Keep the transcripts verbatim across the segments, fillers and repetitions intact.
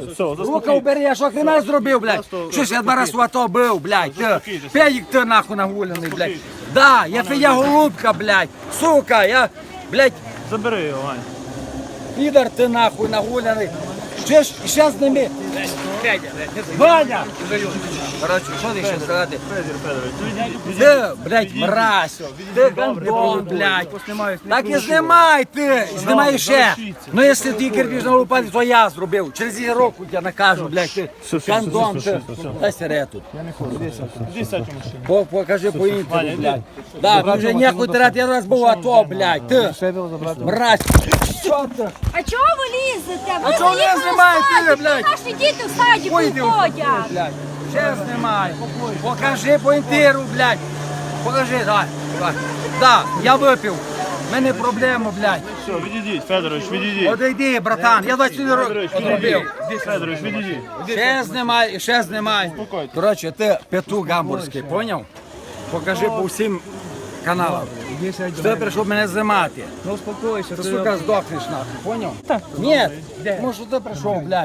Рука убери, я що хрена зробив, блядь? Що ж я два рази в АТО був, блядь? Ти, педик ти нахуй нагуляний, блядь. Да, я твоя голубка, блядь. Сука, я, блядь. Забери його, Вань. Підар ти нахуй нагуляний. Ще ж, ще з ними. Ваня! Короче, що ти ще сказати? Ти, блядь, мразь. Ти гандон, блядь. Так і знімай ти. Знімай ще. Ну, якщо ти кирпич на лопаті, то я зробив. Через її року я накажу, блядь, ти гандон, ти. Дай сирету. Іди сядь у машину. Покажи по інтеру, блядь. Да, ти вже нехуй тирати, я раз був АТО, блядь. Ти, мразь. Що ти? А чого ви лізете? А чого не знімаєте, блядь? Наші діти в садіку ходять. Блядь. Ще знімай. Покажи по інтеру, блядь. Покажи, давай. давай. Да, я випив. У мене проблема, блядь. Все, відійдіть, Федорович, відійдіть. Одійди, братан, я двадцять років одробив. Федорович, відійдіть. Ще знімай, ще знімай. Коротше, ти петух гамбурзький, поняв? Покажи по всім каналам. Що ти прийшов мене знімати? Ну успокойся, Ти, сука, здохнеш нахуй, поняв? Ні, тому що ти прийшов, блядь.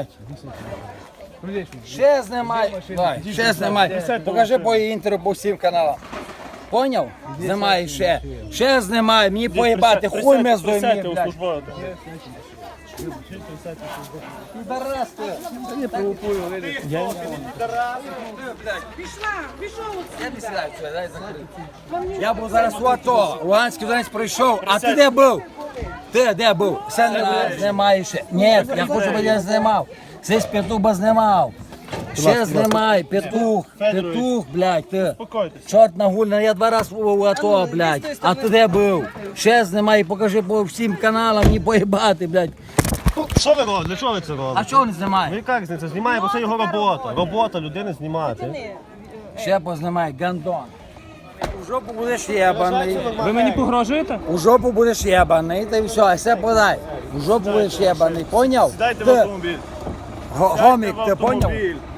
Ще знімай, давай, ще знімай. Покажи по інтеру по всім каналам. Поняв? Знімай ще. Ще знімай, мені поїбати, хуй ми здоймі, Присядьте у блядь. службове. Підарас ти. не провокую, видиш. Я не сідаю, все, дай закрити. Я був зараз у АТО, Луганський Донець пройшов, а ти де був? Ти де був? Все не знімаєш. Ні, я хочу, щоб я знімав. Здесь петух би знімав. Ще знімай, петух, петух, блядь, ти. Успокойтесь. Чорт нагульний, я два рази був у АТО, блядь. А ти де був? Ще знімай, покажи по всім каналам, не поїбати, блядь. Що ви робите? Для чого ви це А робите? чого не Ну знімає? яка різниця? Знімає, бо це його робота. Робота людини знімати. Ще познімай, гандон. У жопу будеш єбаний. Ви мені погрожуєте? У жопу будеш єбаний, та й все, а все подай. У жопу будеш єбаний, поняв? Дайте в Ти, автомобіль. го- гомік, ти Сідайте в поняв? автомобіль.